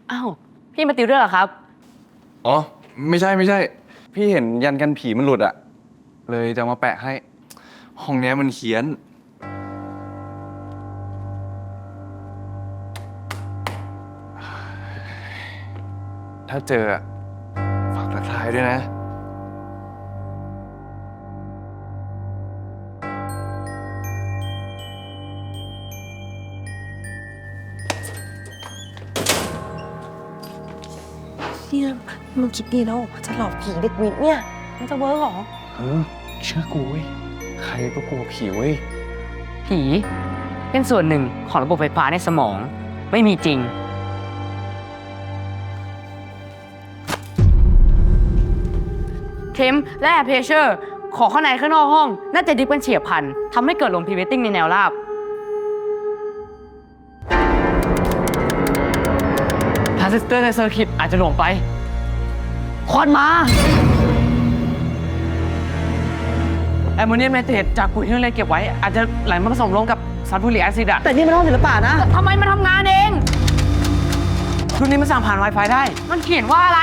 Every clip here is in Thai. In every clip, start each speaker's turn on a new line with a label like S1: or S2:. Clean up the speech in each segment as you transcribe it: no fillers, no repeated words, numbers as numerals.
S1: อ้าวพี่มาติวด้วยเหรอครับ
S2: อ๋อไม่ใช่พี่เห็นยันกันผีมันหลุดอะเลยจะมาแปะให้ห้องนี้มันเขียนถ้าเจอฝากทักทายด้วยนะ
S3: เนี่ยมึงคิดดีแล้วจะหลอกผีเด็กวิทย์เนี่ยมันจะเวิร์กหรอ
S2: เชื่อกูเว้ยใครก็กลัวผีเว้ย
S1: ผีเป็นส่วนหนึ่งของระบบไฟฟ้าในสมองไม่มีจริงเข็มและแอร์เพรสเชอร์ขอข้างในข้างนอกห้องน่าจะดิฟกันเฉียบพลันทำให้เกิดลมพรีเวตติ้งในแนวราบทรานซิสเตอร์ในเซอร์กิตอาจจะหลวมไปควันมาแอมโมเนียมไนเตรตจากปุ๋ยที่เราเก็บไว้อาจจะไหลมาผสมลงกับซัลฟูริกแอซิดอะ
S3: แต่นี่มันห้องศิลปะนะ
S1: ทำไมมันทำงานเองรุ่นนี้มันสั่งผ่าน Wi-Fi ได้มันเขียนว่าอะไร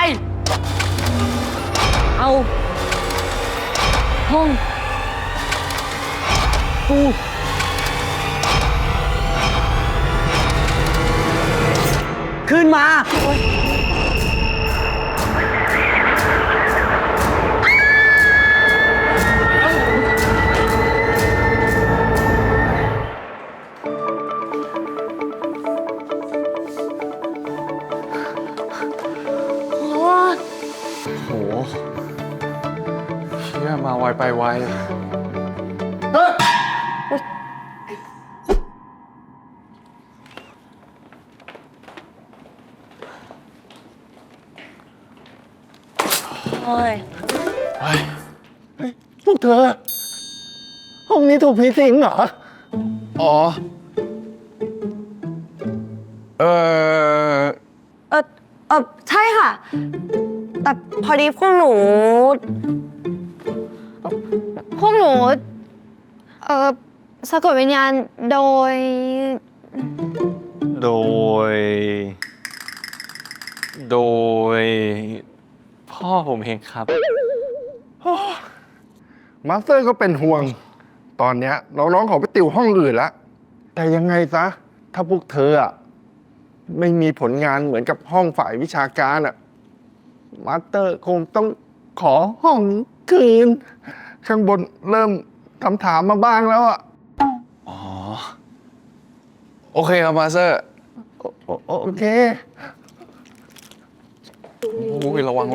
S3: เอาห้องกูขึ้นมา
S2: โหเชื่อมาไวไปไว
S3: โอ้ย
S4: พวกเธอ ห้องนี้ถูกผีสิงเหรอ
S2: อ๋อเออ
S3: ใช่ค่ะ แต่พอดีพวกหนูสะกดวิญญาณโดย
S2: โดยพ่อผมเองครับ
S4: มาสเตอร์ก็เป็นห่วง ตอนเนี้ยน้องๆขอไปติวห้องอื่นละแต่ยังไงซะ ถ้าพวกเธออะไม่มีผลงานเหมือนกับห้องฝ่ายวิชาการอะมาสเตอร์คงต้องขอห้องคืน ข้างบนเริ่มถามมาบ้างแล้วอะ
S2: อ๋อ โอเคครับมาสเตอร์
S4: โอเค
S2: โอ้ยระวัง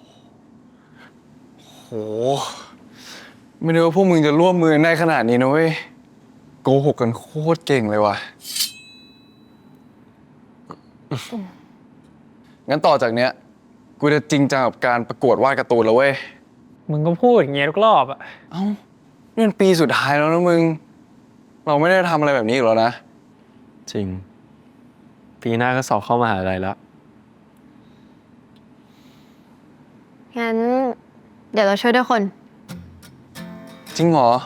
S2: โหไม่นึกว่าพวกมึงจะร่วมมือได้ขนาดนี้นะเว้ยโกหกกันโคตรเก่งเลยว่ะงั้นต่อจากเนี้ยกูจะจริงจังกับการประกวดวาดการ์ตูนแล้วเว้ย
S5: มึงก็พูดอย่างเงี้ยทุกรอบอะ
S2: เอ้านี่มันปีสุดท้ายแล้วนะมึงเราไม่ได้ทำอะไรแบบนี้อีกแล้วนะ
S5: จริง ปีหน้าก็สอบเข้ามหาลัยแล้ว
S3: งั้น เดี๋ยวเราช่วยด้วยคน
S2: จริงเหรอ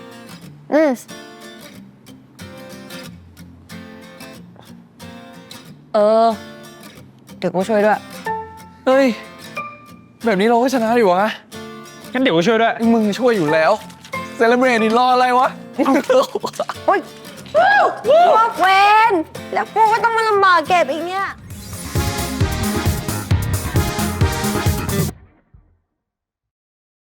S3: เดี๋ยวกูช่วยด้วย
S2: เฮ้ยแบบนี้เราก็ชนะดิวะ
S5: งั้นเดี๋ยวกูช่วยด้วย
S2: มึงช่วยอยู่แล้วเซเลบรตนี่รออะไรวะ
S3: โอ๊ยพวกเวนแล้วกูก็ต้องมาลำบากเก็บอีกเนี่ย